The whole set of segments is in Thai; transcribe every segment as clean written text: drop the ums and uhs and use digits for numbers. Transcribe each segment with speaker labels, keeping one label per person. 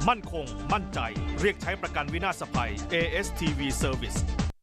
Speaker 1: มั่นคงมั่นใจเรียกใช้ประกันวินาศภัย ASTV Service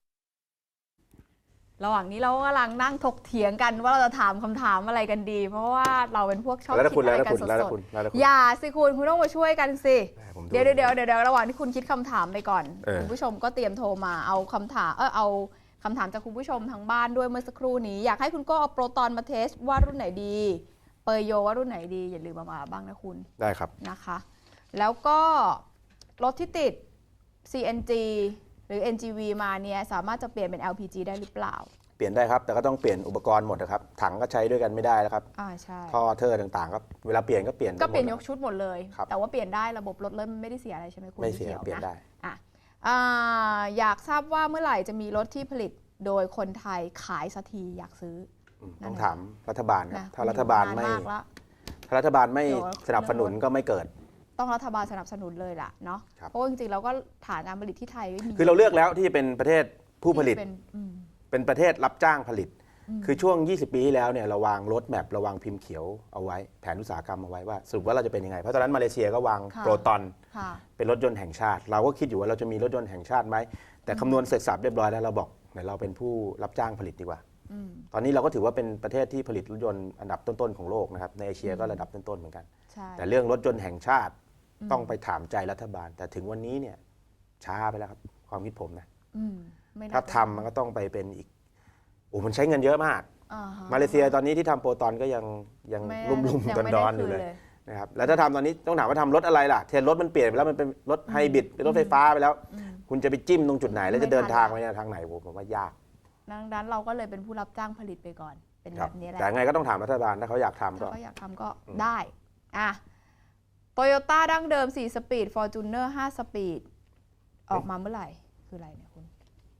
Speaker 2: ระหว่างนี้เรากำลังนั่งถกเถียงกันว่าเราจะถามคำถามอะไรกันดี เพราะว่าเราเป็นพวกชอบคิดอะไรกันสดๆอย่าสิคุณต้องมาช่วยกันสิเดี๋ยวระหว่างที่คุณคิดคำถามไปก่อนคุณผู้ชมก็เตรียมโทรมาเอาคำถามจากคุณผู้ชมทางบ้านด้วยเมื่อสักครู่นี้อยากให้คุณก็เอาโปรตอนมาเทสว่ารุ่นไหนดีเปอร์โยว่ารุ่นไหนดีอย่าลืมมาบ้างนะคุณ
Speaker 3: ได้ครับ
Speaker 2: นะคะแล้วก็รถที่ติด CNG หรือ NGV มาเนี่ยสามารถจะเปลี่ยนเป็น LPG ได้หรือเปล่า
Speaker 3: เปลี่ยนได้ครับแต่ก็ต้องเปลี่ยนอุปกรณ์หมดนะครับถังก็ใช้ด้วยกันไม่ได้แล้วครับ
Speaker 2: ใช่
Speaker 3: ท่อเทอร์ต่างๆก็เวลาเปลี่ยนก็เปลี่ยน
Speaker 2: ยกชุดหมดเลยแต่ว่าเปลี่ยนได้ระบบรถเลยไม่ได้เสียอะไรใช่ไหมคุณ
Speaker 3: ไม่เสียเปลี่ยนได้
Speaker 2: อยากทราบว่าเมื่อไหร่จะมีรถที่ผลิตโดยคนไทยขายสักทีอยากซื้อ
Speaker 3: ต้องถามรัฐบาลครับถ้ารัฐบาลไม่สนับสนุนก็ไม่เกิด
Speaker 2: ต้องรัฐบาลสนับสนุนเลยล่ะเนาะเพราะจริงๆเราก็ฐานการผลิตที่ไทยไม่มี
Speaker 3: คือเราเลือกแล้วที่เป็นประเทศผู้ผลิตเป็นประเทศรับจ้างผลิตคือช่วง20 ปีที่แล้วเนี่ยเราวางรถแมพเราวางพิมพ์เขียวเอาไว้แผนอุตสาหกรรมเอาไว้ว่าสรุปว่าเราจะเป็นยังไงเพราะตอนนั้นมาเลเซียก็วางโปรตอนเป็นรถยนต์แห่งชาติเราก็คิดอยู่ว่าเราจะมีรถยนต์แห่งชาติไหมแต่คำนวณเสร็จสับเรียบร้อยแล้วเราบอกเดี๋ยวเราเป็นผู้รับจ้างผลิตดีกว่าตอนนี้เราก็ถือว่าเป็นประเทศที่ผลิตรถยนต์อันดับต้นๆของโลกนะครับในเอเชียก็ระดับต้นๆเหมือนกันแต่เรื่องรถยนต์แห่งชาติต้องไปถามใจรัฐบาลแต่ถึงวันนี้เนี่ยช้าไปแล้วครับความคิดผมนะถ้าทำมันก็ต้องไปเป็นอีกมันใช้เงินเยอะมากมาเลเซียตอนนี้ที่ทำโปรตอนก็ยังรุ่มๆดอนๆอยู่เลยนะครับแล้วถ้าทำตอนนี้ต้องถามว่าทำรถอะไรล่ะเทรนรถมันเปลี่ยนไปแล้วมันเป็นรถไฮบริดเป็นรถไฟฟ้าไปแล้วคุณจะไปจิ้มตรงจุดไหนแล้วจะเดินทางไปทางไหนผมว่ายาก
Speaker 2: ดังนั้นเราก็เลยเป็นผู้รับจ้างผลิตไปก่อนเป็นแบบนี้แหละ
Speaker 3: แต่ไงก็ต้องถามรัฐบาลถ้าเขาอยากทำ
Speaker 2: ก็ได้โตโยต้าดั้งเดิม4สปีด Fortuner 5สปีดออกมาเมื่อไหร่คืออะไรเนี่ยคุณ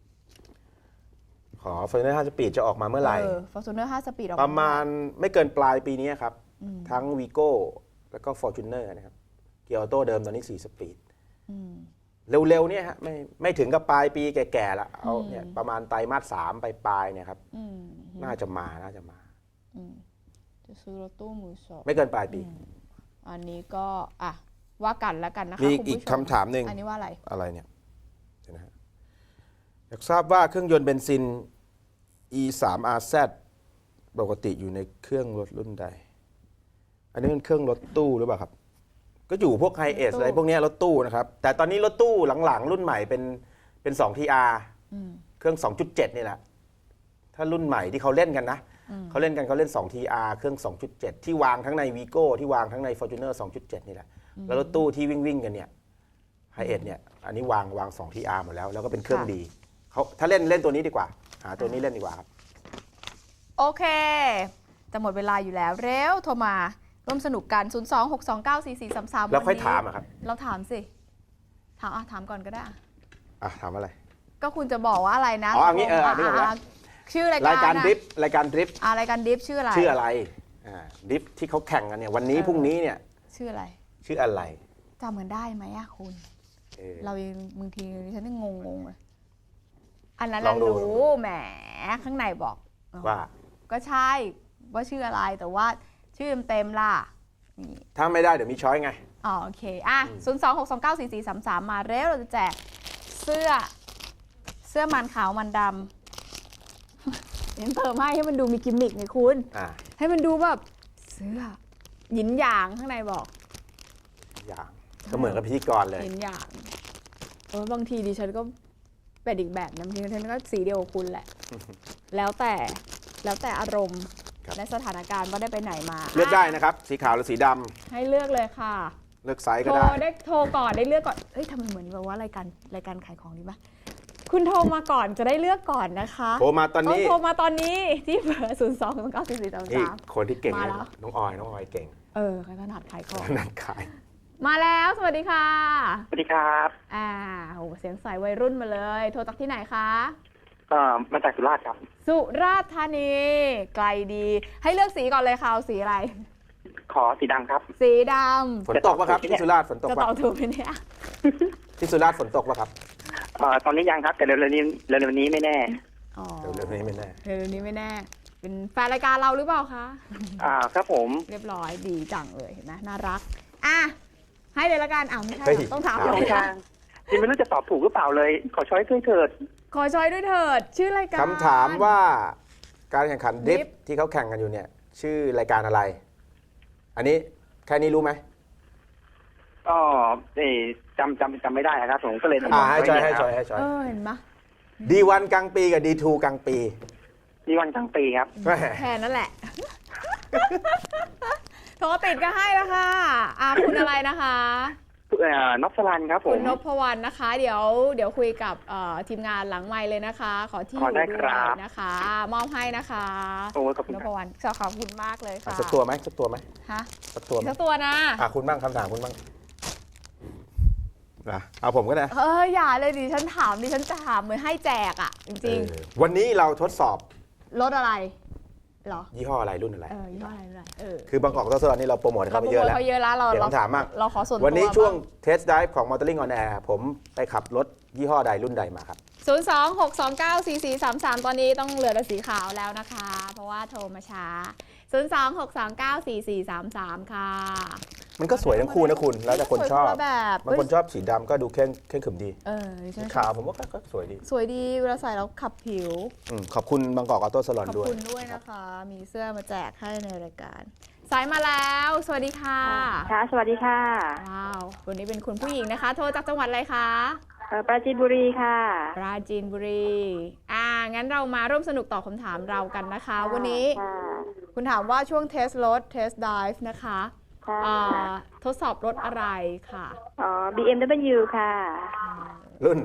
Speaker 3: Fortuner 5สปีดจะออกมาเมื่อไหร่
Speaker 2: Fortuner 5สปีด
Speaker 3: ประมาณไม่เกินปลายปีนี้ครับทั้ง Vigo แล้วก็ Fortuner นะครับเกียร์ออโต้เดิมตอนนี้4สปีดเร็วๆเนี่ยฮะไม่ถึงกับปลายปีแก่ๆแล้วเอาเนี่ยประมาณไตรมาส3ปลายเนี่ยครับน่าจะมา
Speaker 2: จะซื้อรถตู้มือสอง
Speaker 3: ไม่เกินปลายปี
Speaker 2: อันนี้ก็ว่ากันแล้วกันนะคะ
Speaker 3: มีอีกคำถามหนึ่ง
Speaker 2: อันนี้ว่าอะไร
Speaker 3: เนี่ยนะฮะอยากทราบว่าเครื่องยนต์เบนซิน E3RZ ปกติอยู่ในเครื่องรถรุ่นใดอันนี้เป็นเครื่องรถตู้หรือเปล่าครับก็อยู่พวกไฮเอสอะไรพวกนี้รถตู้นะครับแต่ตอนนี้รถตู้หลังๆรุ่นใหม่เป็น2 TR เครื่อง 2.7 นี่แหละถ้ารุ่นใหม่ที่เขาเล่นกันนะเขาเล่น2 TR เครื่อง 2.7 ที่วางทั้งใน Vigo ที่วางทั้งใน Fortuner 2.7 นี่แหละแล้วรถตู้ที่วิ่งกันเนี่ยไฮเอสเนี่ยอันนี้วาง2 TR หมดแล้วก็เป็นเครื่องดีเขาถ้าเล่นตัวนี้ดีกว่าหาตัวนี้เล่นดีกว่าครับ
Speaker 2: โอเคจะหมดเวลาอยู่แล้วเร็วโทรมาร่วมสนุกกัน 026294433
Speaker 3: แล้วค่อยถามครับ
Speaker 2: เราถามสิถามก่อนก็ได้
Speaker 3: ถามอะไร
Speaker 2: ก็คุณจะบอกว่าอะไรนะ
Speaker 3: อันนี้
Speaker 2: ชื่อราย
Speaker 3: การดริฟรายการดริฟ
Speaker 2: ชื่ออะไร
Speaker 3: ดริฟที่เขาแข่งกันเนี่ยวันนี้พรุ่งนี้เนี่ย
Speaker 2: ชื่ออะไรจำกันได้ไหมคุณเราบางทีฉันงงเลยอันนั้นเรารู้แหมข้างในบอก
Speaker 3: ว่า
Speaker 2: ก็ใช่ว่าชื่ออะไรแต่ว่าชื่อเต็มล่ะ
Speaker 3: ถ้าไม่ได้เดี๋ยวมีช้อยไง
Speaker 2: โอเค026294433มาเร็วเราจะแจกเสื้อมันขาวมันดำเพิ่มให้มันดูมีกิมมิคไงคุณให้มันดูแบบเสื้อหยินหยางข้างในบอก
Speaker 3: อย่างก็เหมือนกับพิธีกรเลย
Speaker 2: หยินหยางบางทีดิฉันก็เป็นอีกแบบนะบางทีดิฉันก็สีเดียวกับคุณแหละแล้วแต่อารมณ์และสถานการณ์ว่าได้ไปไหนมา
Speaker 3: เลือกได้นะครับสีขาวหรือสีดำ
Speaker 2: ให้เลือกเลยค่ะ
Speaker 3: เลือกไซส์ก็ได้
Speaker 2: โทรก่อนได้เลือกก่อนทำไมเหมือนแบบว่ารายการขายของดีปะคุณโทรมาก่อนจะได้เลือกก่อนนะคะ
Speaker 3: โทรมาตอน
Speaker 2: นี้ที่เบอร์0294433
Speaker 3: คนที่เก่งน้องออยเก่ง
Speaker 2: เขาถนัดขายของ
Speaker 3: ถนัดขาย
Speaker 2: มาแล้วสวัสดีค่ะ
Speaker 4: สวัสดีครับ
Speaker 2: เสียงใสวัยรุ่นมาเลยโทรจากที่ไหนคะ
Speaker 4: มาจากสุราษฎร์ครับ
Speaker 2: สุราษฎร์ธานีไกลดีให้เลือกสีก่อนเลยค่ะเอาสีอะไร
Speaker 4: ขอสีดำครับ
Speaker 2: สีดำ
Speaker 3: ฝนตกป่ะครับที่สุราษฎร์ฝนตกป่ะ
Speaker 2: จะตอบถูกไหมเนี่ย
Speaker 3: ที่สุราษฎร์ฝนตกป่ะครับ
Speaker 4: ตอนนี้ยังครับแต่เร็วๆนี้ไม่แน่
Speaker 3: เร็วๆนี้ไม่แน่
Speaker 2: เป็นแฟนรายการเราหรือเปล่าคะ
Speaker 4: ครับผม
Speaker 2: เรียบร้อยดีจังเลยเห็นไหมน่ารักให้เลยละกันอ้าวไม่ใช่
Speaker 3: เฮ้ย
Speaker 2: ต้องถาม
Speaker 4: สองทางที่ไม่รู้จะตอบถูกหรือเปล่าเลย ขอช้อยด้วยเถิด
Speaker 2: ขอช้อยด้วยเถิดชื่อรายการ
Speaker 3: คำถามว่าการแข่งขันดริฟ
Speaker 2: Drift
Speaker 3: ที่เขาแข่งกันอยู่เนี่ยชื่อรายการอะไร อันนี้แค่นี้รู้ไหม
Speaker 4: ก็จำไม่ได้นะครับผมก็เลย
Speaker 3: ให้ช้อย
Speaker 2: เห็นไหม
Speaker 3: D1 กลางปีกับ D2 กลางปี
Speaker 4: นี่วันทั้งปีครับ
Speaker 3: แหม่
Speaker 2: แค่นั้นแหละ โทรติดก็ให้แล้วค่ะคุณอะไรนะคะ
Speaker 4: นพสรันครับผ
Speaker 2: คุ
Speaker 4: ม
Speaker 2: ณนพวรรณนะคะ เดี๋ยวคุยกับทีมงานหลังไมค์เลยนะคะ ขอที่อยู่
Speaker 4: ได้
Speaker 2: ด้
Speaker 4: ครั
Speaker 2: วย
Speaker 4: บ
Speaker 2: นะคะ มอบให้นะคะ
Speaker 4: โอ้ขอบคุณ
Speaker 2: น
Speaker 4: ค
Speaker 2: พ
Speaker 4: รับ
Speaker 2: วรรณขอบคุณมากเลยค่ะ
Speaker 3: สักตัวไหมสักตัวไหม
Speaker 2: ฮะ
Speaker 3: สักตัวไหม
Speaker 2: สักตัวนะ
Speaker 3: คุณบ้างคำถามคุณบ้างนะเอาผมก็ได้
Speaker 2: อย่าเลยดิฉันถามดิฉันจะถามเหมือนให้แจกอ่ะ จริง
Speaker 3: วันนี้เราทดสอบ
Speaker 2: ๆรถอะไรเหรอ
Speaker 3: ยี่ห้ออะไรรุ่นอะไร
Speaker 2: ยี่ห้ออะไร
Speaker 3: คือบางกอกทดสอบนี่เราโปรโมทให้
Speaker 2: เรา
Speaker 3: เขา
Speaker 2: โป
Speaker 3: ไป
Speaker 2: ร
Speaker 3: เย
Speaker 2: โม
Speaker 3: อะแล้ว
Speaker 2: ทเขาเยอะแล้วเรา
Speaker 3: เดี๋ยวผมถามบ้าง
Speaker 2: เราขอส่วนตัว
Speaker 3: วันนี้ช่วง
Speaker 2: บ้า
Speaker 3: เทสต์ไดฟ์ของ Motoring on Air ผมไปขับรถยี่ห้อใดรุ่นใดมาครับ
Speaker 2: 026294433 ตอนนี้ต้องเหลือแต่สีขาวแล้วนะคะ เพราะว่าโทรมาช้า 026294433 ค่ะ
Speaker 3: มันก็สวยทั้งคู่นะคุณ แล้วแต่คนชอบ
Speaker 2: สวยคนละแบบ
Speaker 3: บางคนชอบสีดำก็ดูเข้มขรึมดี
Speaker 2: ดิฉั
Speaker 3: สี
Speaker 2: น
Speaker 3: ขาวผมว่าก็สวยดี
Speaker 2: สวยดีเวลาใส่แล้วขับผิว
Speaker 3: ขอบคุณบางกอกออโต้สลอน
Speaker 2: ขอบ
Speaker 3: ด้วย
Speaker 2: คุณด้วยนะคะ มีเสื้อมาแจกให้ในรายการ สายมาแล้ว สวัสดีค่ะ
Speaker 5: ค่ะ สวัสดีค่ะ
Speaker 2: ว้าว วันนี้เป็นคุณผู้หญิงนะคะ โทรจากจังหวัดอะไรคะ
Speaker 5: ปราจีนบุรีค่ะ
Speaker 2: ปราจีนบุรี งั้นเรามาร่วมสนุกตอบคำถามเรากันนะคะ วันนี้
Speaker 5: ค่ะ
Speaker 2: คุณถามว่าช่วงเทสรถ เทสไดฟ์นะคะ
Speaker 5: ค่ะ
Speaker 2: ทดสอบรถอะไรค่ะ
Speaker 5: อ๋อ BMW ค่ะ
Speaker 3: รุ่น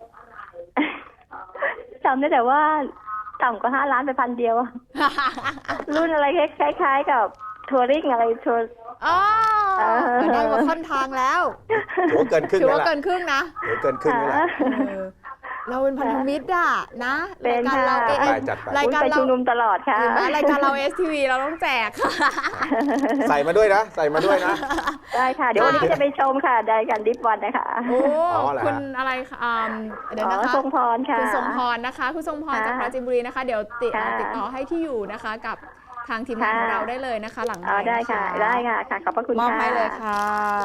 Speaker 5: จำได้แต่ว่าต่ำกว่า5 ล้านไปพันเดียว รุ่นอะไรคล้ายๆกับทัวริงอะไรทัวร์
Speaker 2: ได้มาค่อนทางแล้ว
Speaker 3: ถือว่าเกินครึ่ง
Speaker 2: ถือ
Speaker 3: แล้ว
Speaker 2: ว่า
Speaker 3: ล่ะ
Speaker 2: เกินครึ่งนะ
Speaker 3: ถือว่าเกินครึ่งแล้วล่ะ
Speaker 2: เราเป็นพันธมิตรอะนะ
Speaker 5: เป็
Speaker 2: ราย
Speaker 5: น
Speaker 2: การเรา
Speaker 5: ค่ะ
Speaker 3: จัดไป
Speaker 2: รายการ
Speaker 5: ไป
Speaker 2: เรา
Speaker 5: ชุมนุมตลอดค่ะ
Speaker 2: เห็นไหมรายการเรา STV เราต้องแจกค่ะ
Speaker 3: ใส่มาด้วยนะ ใส่มาด้วยนะ
Speaker 5: ได้ค่ะ เดี๋ยววันนี้จะไปชมค่ะได้กันดิฟวันนะคะ
Speaker 2: โอ้
Speaker 3: เหรอ
Speaker 2: คุณอะไรคะเดี๋ยวนะคะ
Speaker 5: ทรงพรค่ะ
Speaker 2: คุณทรงพรนะคะ คุณทรงพร
Speaker 5: ค่ะ
Speaker 2: จากปราจีนบุรีนะคะ เดี๋ยว
Speaker 5: ค่ะ
Speaker 2: ติดต่อให้ที่อยู่นะคะกับทางทีมงานของเราได้เลยนะคะ หลัง
Speaker 5: ได้
Speaker 2: ค์น
Speaker 5: ค่ะ ได้ค่ะค่ะ ขอบพระคุณ
Speaker 2: มอบ
Speaker 5: ค่ะ
Speaker 2: ให้เลยค่ะ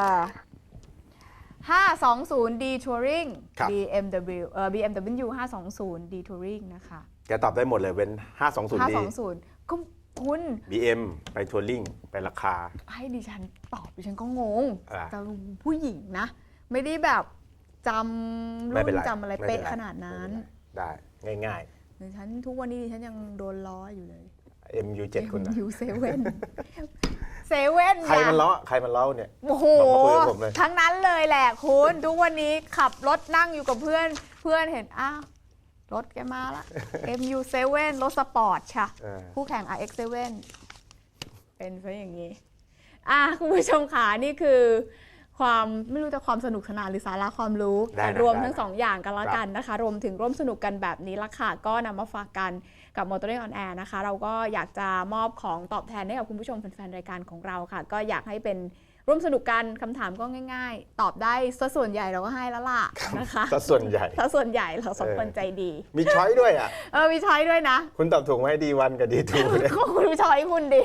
Speaker 2: 520D Touring
Speaker 3: ครับ
Speaker 2: BMW 520D Touring นะคะ
Speaker 3: แกตอบได้หมดเลยเป็น 520D
Speaker 2: 520 ก็คุณ
Speaker 3: BM ไปทัวริงไปราคา
Speaker 2: ให้ดิฉันตอบดิฉันก็งง
Speaker 3: อ่า
Speaker 2: แต่ผู้หญิงนะ ไม่ได้แบบจำ
Speaker 3: ไม่
Speaker 2: รุ่
Speaker 3: เป็น
Speaker 2: น
Speaker 3: ไร
Speaker 2: จำอะไร
Speaker 3: ไม่
Speaker 2: เป๊ะ
Speaker 3: ป็ไร
Speaker 2: ขนาดนั้น
Speaker 3: ได้ง่าย
Speaker 2: ดิฉันทุกวันนี้ดิฉันยังโดนล้ออยู่เลย
Speaker 3: ๆ MU7 คุณนะ
Speaker 2: อยู่เซเว่นเซเว่น
Speaker 3: ใครมันล้อเนี่ย
Speaker 2: โอ้โห
Speaker 3: ลองมาคุยกับผมเลย
Speaker 2: ทั้งนั้นเลยแหละคุณทุกวันนี้ขับรถนั่งอยู่กับเพื่อนเห็นอ้าวรถแกมาละ MU7 รถสปอร์ตค่ะ คู่แข่ง RX7 เป็นซะอย่างนี้คุณผู้ชมขานี่คือความไม่รู้จะความสนุกสนานหรือสาระความรู้
Speaker 3: ได้นะ
Speaker 2: รวม
Speaker 3: ได้
Speaker 2: ทั้งสองอย่างกันละกันนะคะ รวมถึงร่วมสนุกกันแบบนี้ละค่ะ ก็นำมาฝากกันกับ Motoring on Air นะคะ เราก็อยากจะมอบของตอบแทนให้กับคุณผู้ชมแฟนๆรายการของเราค่ะ ก็อยากให้เป็นร่วมสนุกกันคำถามก็ง่ายๆ ตอบได้ซะส่วนใหญ่เราก็ให้แล้วล่ะนะคะ
Speaker 3: ซะส่วนใหญ่
Speaker 2: ซะส่วนใหญ่เราสองคนใจดี
Speaker 3: มีช้อยด้วยอ่ะ
Speaker 2: มีช้อยด้วยนะ
Speaker 3: คุณตอบถูกไหม D1 กับ D2 เนี่ย
Speaker 2: ก็คุณดูช้อยคุณดิ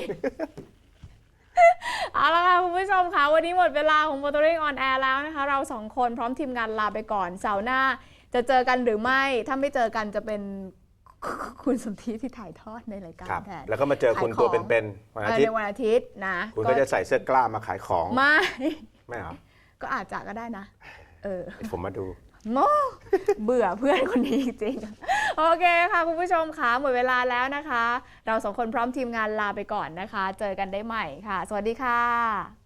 Speaker 2: เอาละค่ะคุณผู้ชมค่ะวันนี้หมดเวลาของ Motoring on Air แล้วนะคะเราสองคนพร้อมทีมงานลาไปก่อนเสาร์หน้าจะเจอกันหรือไม่ถ้าไม่เจอกันจะเป็นคุณสมธิที่ถ่ายทอดในรายการ
Speaker 3: ครับ
Speaker 2: แทน
Speaker 3: แล้วก็มาเจอคุณตัวเป็นๆวันอาทิต
Speaker 2: ใน
Speaker 3: ย์
Speaker 2: วันอาทิตย์นะ
Speaker 3: คุณก็จะใส่เสื้อกล้ามาขายของ
Speaker 2: ไม่
Speaker 3: ไม่เหรอ
Speaker 2: ก็อาจจะก็ได้นะ
Speaker 3: ผมมาดู
Speaker 2: โมเบื่อเพื่อนคนนี้จริงๆโอเคค่ะคุณผู้ชมค่ะหมดเวลาแล้วนะคะ เราสองคนพร้อมทีมงานลาไปก่อนนะคะ เจอกันได้ใหม่ค่ะ สวัสดีค่ะ